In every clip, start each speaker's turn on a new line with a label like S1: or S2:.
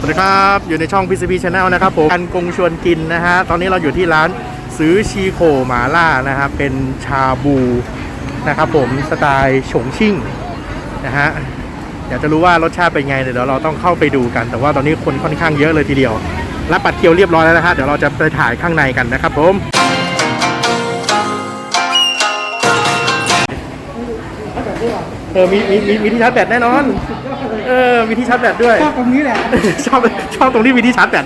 S1: สวัสดีครับอยู่ในช่อง PCP Channel นะครับผมกันกงชวนกินนะฮะตอนนี้เราอยู่ที่ร้านซื้อชีโคหมาล่านะครับเป็นชาบูนะครับผมสไตล์ฉงชิ่งนะฮะอยากจะรู้ว่ารสชาติเป็นไงเดี๋ยวเราต้องเข้าไปดูกันแต่ว่าตอนนี้คนค่อนข้างเยอะเลยทีเดียวรับบัตรคิวเรียบร้อยแล้วนะฮะเดี๋ยวเราจะไปถ่ายข้างในกันนะครับผมมีที่ชาร์จแบตแน่นอนมีที่ชาร์จแบตด้วย
S2: ชอบตรงนี้แหละ
S1: ชอบตรงที่มีที่ชาร์จแบต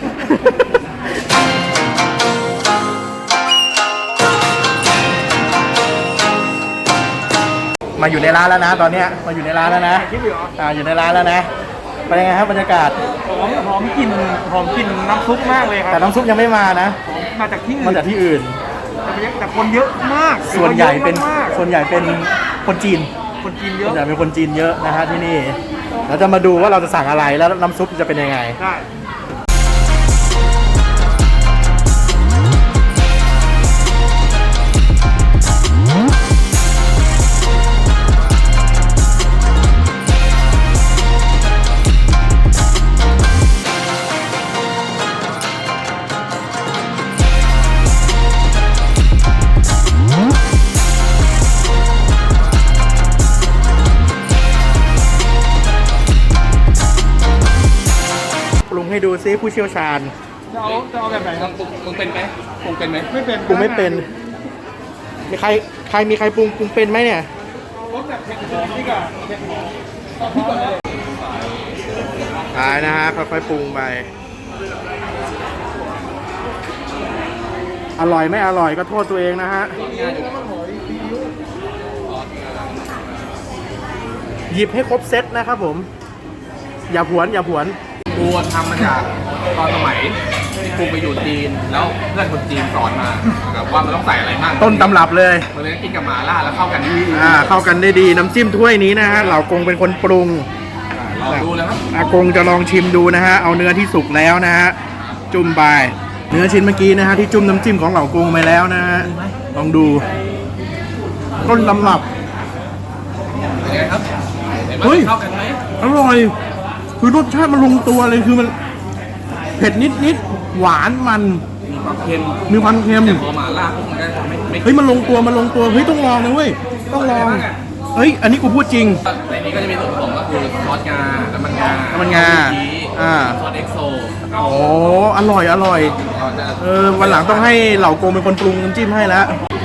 S1: มาอยู่ในร้านแล้วนะตอนนี้มาอยู่ในร้านแล้วนะอยู่ในร้านแล้วนะเป็นยังไงครับบรรยากาศ
S2: หอมกลิ่นน้ำซุปมากเลยครับ
S1: แต่น้ำซุปยังไม่มานะ
S2: มาจากที่อื่นแต่คนเยอะมาก
S1: ส่วนใหญ่เป็นคนจีน
S2: เยอะ
S1: เป็นคนจีนเยอะนะฮะที่นี่เราจะมาดูว่าเราจะสั่งอะไรแล้วน้ำซุปจะเป็นยังไง
S2: ได้
S1: ให้ดูซิผู้เชี่ยวชาญ
S2: จะเอาแบบไหนครับปรุงเป็นไหมปรุงเป็นไหมไม่เป็น
S1: ปรุงไม่เป็นมีใครปรุงเป็นไหมเนี่ย
S2: รสแบบเผ็ดร้อนนี่ก่อนเผ็ดร้อน
S1: ตายนะฮะค่อยๆปรุงไปอร่อยไม่อร่อยก็โทษตัวเองนะฮะหยิบให้ครบเซตนะครับผมอย่าผวน
S3: กูทำมาจากตอนสมัยกูไปอยู่จีนแล้วเพื่อนคนจีนสอนมาว่ามันต้องใส่อะไรบ้าง
S1: ต้นตำรับเลย
S3: มันเลยกินกับหม่าล่าแล้วเข้ากันดี
S1: เข้ากันได้ดีน้ำจิ้มถ้วยนี้นะฮะเหล่ากงเป็นคนปรุง
S3: ลองดูแล้วครับ
S1: อากงจะลองชิมดูนะฮะเอาเนื้อที่สุกแล้วนะฮะจุ่มไปเนื้อชิ้นเมื่อกี้นะฮะที่จุ่มน้ำจิ้มของเหล่ากงไปแล้วนะฮะลองดูต้นตำรับ
S3: เป็นไงครับเฮ้ยเข้ากันไหม
S1: อร่อยคือรสชาติมันลงตัวเลยคือมันเผ็ดนิดหวานมัน
S3: มีความเค็ม
S1: แต่
S3: พอหม่าล่าพวกมันก็ไม่
S1: เฮ้ยมันลงตัวเฮ้ยต้องลองนะเว้ยต้องลองเฮ้ยอันนี้กูพูดจริง
S3: ในนี้ก็จะมีส่วนผสมก็คือซอสงาน้ำมันงาซอสเอ็กโซ
S1: โอ้อร่อยวันหลังต้องให้เหล่าโกงเป็นคนปรุงน้ำจิ้มให้แล้ว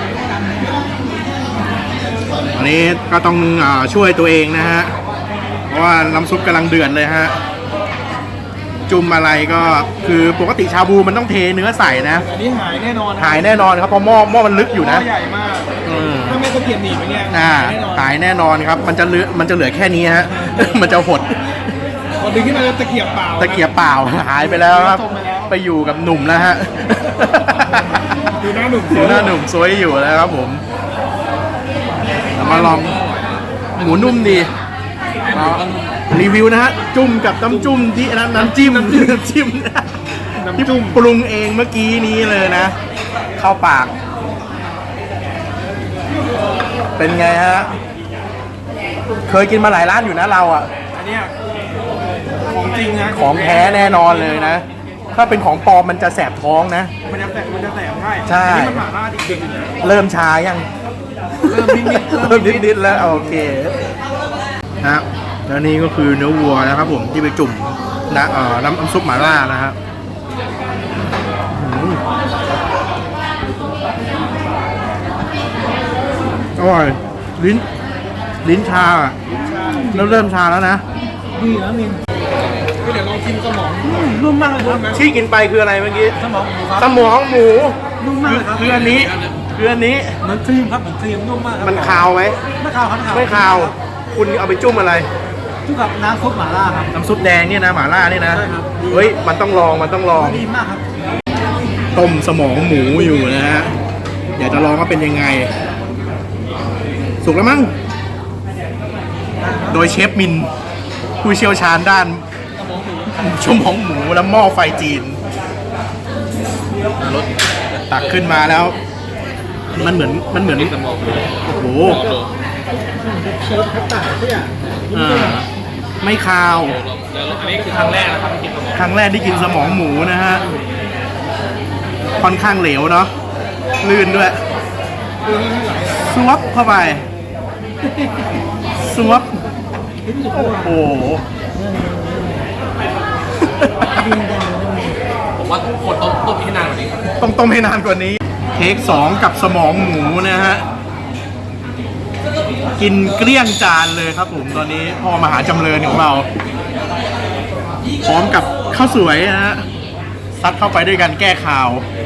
S1: อันนี้ก็ต้องช่วยตัวเองนะฮะเพราะว่าน้ำซุปกำลังเดือดเลยฮะจุ่มอะไรก็คือปกติชาบูมันต้องเทเนื้อใส่นะ
S2: อันนี้หายแน่นอน
S1: ครับเพราะหม้อมันลึกอยู่นะ
S2: ใหญ่มากถ้าไม่ตะเกียบหนีบไปเนี่ย
S1: หายแน่นอนครับมันจะเหลือแค่นี้ฮะมันจะหด
S2: พอดึงขึ้นมาตะเกียบเปล่า
S1: หายไปแล้วครับไปอยู่กับหนุ่มแล้วฮะ
S2: ดูหน้าห
S1: นุ่มสวยอยู่แล้วครับผมมาลองหมูนุ่มดีรีวิวนะฮะจุ่มกับน้ำจุ่มที่น้ำจิ้มที่ปรุงเองเมื่อกี้นี้เลยนะเข้าปากเป็นไงฮะเคยกินมาหลายร้านอยู่นะเราอ่ะ
S2: อันนี้ของจริงนะ
S1: ของแท้แน่นอนเลยนะถ้าเป็นของปลอมมันจะแสบท้องนะ
S2: มันจะแสบ
S1: ใช่
S2: มันหม่าล่าจริง
S1: เริ่มชายัง
S2: เริ่ม
S1: นิดแล้วโอเคฮะแล้วนี่ก็คือเนื้อวัวนะครับผมที่ไปจุ่มน้ำซุปหม่าล่านะฮะอร่อยลิ้นชาเริ่มชาแล้วนะ
S2: ดีนะมินเดี๋ยวลองชิมสมองนุ่มมากเลยครับ
S1: ที่กินไปคืออะไรเมื่อกี้สมองหมู
S2: นุ่มมากครับ
S1: คืออันนี้
S2: เหมือนครีมครับเหมือนครีมนุ่มมาก
S1: มันคาวไหม
S2: ไม่คาวครับ
S1: ไม่คาวคุณเอาไปจุ่มอะไร
S2: จุ่มกับน้ำซุปหม่าล่าครับ
S1: น้ำซุปแดงเนี่ยนะหม่าล่าเนี่ยนะเฮ้ยมันต้องลอง
S2: ดีมากครับ
S1: ต้มสมองหมูอยู่นะฮะอยากจะลองว่าเป็นยังไงสุกแล้วมั้งโดยเชฟมินผู้เชี่ยวชาญด้านสมองหมูและหม้อไฟจีนรสตักขึ้นมาแล้วมันเหมือนโอ้โห
S2: เชฟคัตตาร์ดเนี่ย
S1: ไม่คาว
S3: แล้วอันนี้คือครั้งแรกนะครับที่กินสมอง
S1: ครั้งแรกที่กินสมองหมูนะฮะ ค่อนข้างเหลวเนาะ ลื่นด้วย สวบเข้าไป สวบ โอ้โห
S3: ผมว่าคนต้มให้นานกว่านี้
S1: ต้องต้มให้นานกว่านี้ เทค2กับสมองหมูนะฮะ กินเกลี้ยงจานเลยครับผมตอนนี้พ่อมหาจำเริญของเรา พร้อมกับข้าวสวยนะฮะ ซัดเข้าไปด้วยกันแก้ข่าว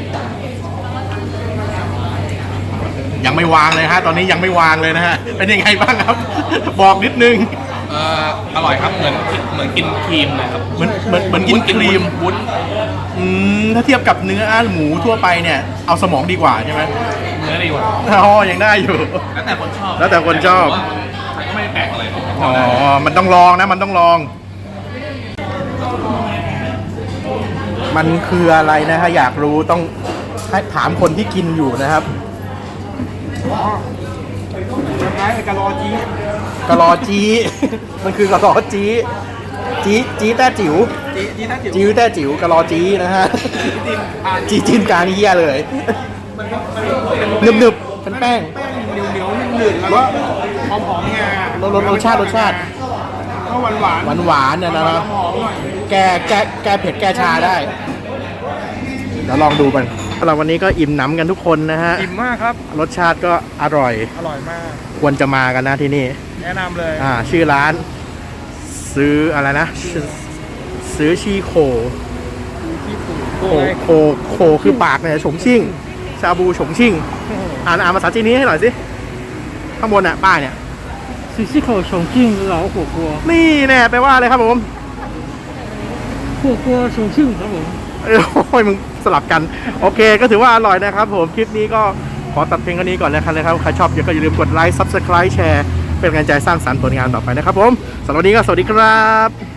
S1: ยังไม่วางเลยฮะ ตอนนี้ยังไม่วางเลยนะฮะ เป็นยังไงบ้างครับ บอกนิดนึง
S3: อร่อยครับเหมือนกินครีมนะครับ
S1: เหมือนกินครีม
S3: วุ้น
S1: ถ้าเทียบกับเนื้อหมูทั่วไปเนี่ย เอาสมองดีกว่าใช่ไหม
S3: เนื้อดีกว่า
S1: อ๋อยังได้อยู่
S3: แล้วแต่คนชอบ
S1: แล้วแต่คนชอบ
S3: มันก็ไม่ได้แปลกอะไรหรอก
S1: อ๋อ มันต้องลองนะ มันต้องลอง มันคืออะไรนะฮะ อยากรู้ต้องให้ถามคนที่กินอยู่นะครับ
S2: คล้ายๆกะลอจี
S1: กะลอจี มันคือกะลอจีจีแต้จิ๋ว
S2: จีน่าจิ๋ว
S1: จิ๋วแต้จิ๋วกะลอจีนะฮะ จีจินการเฮียเลยหนึบๆเป็นแป้ง
S2: แป้งเหนียวๆหนืดๆแล้วก็หอมๆงาร
S1: สชาติ
S2: ก็หวานๆ
S1: หวานๆเนี่ยนะ
S2: หอมๆหน่อย
S1: แก้เผ็ดแก้ชาได้ เดี๋ยวลองดูกันสำหรับวันนี้ก็อิ่มหนำกันทุกคนนะฮะ
S2: อิ่มมากครับ
S1: รสชาติก็อร่อย
S2: อร่อยมาก
S1: ควรจะมากันนะที่นี่
S2: แนะนำเลย
S1: ชื่อร้าน ซื้ออะไรนะ ซื้อชีโค โคคือปากเนี่ยฉงชิ่ง ชาบูฉงชิ่ง อ่านภาษาจีนนี้ให้หน่อยสิ ข้างบนอ่ะป้ายเนี่ย
S2: ซีซีโคชงจิ้งเหลาหัวกัว
S1: นี่แน่แปลว่าอะไรครับผม
S2: หัวกัวชงจิ้งครับผม
S1: โอ้ยมึงสลับกัน โอเคก็ถือว่าอร่อยนะครับผม คลิปนี้ก็ขอตัดเพียงเท่านี้ก่อนแล้วกันนะครับ ใครชอบก็อย่าลืมกดไลค์ Subscribe แชร์ เป็นกำลังใจสร้างสรรค์ผลงานต่อไปนะครับผมสำหรับวันนี้ก็สวัสดีครับ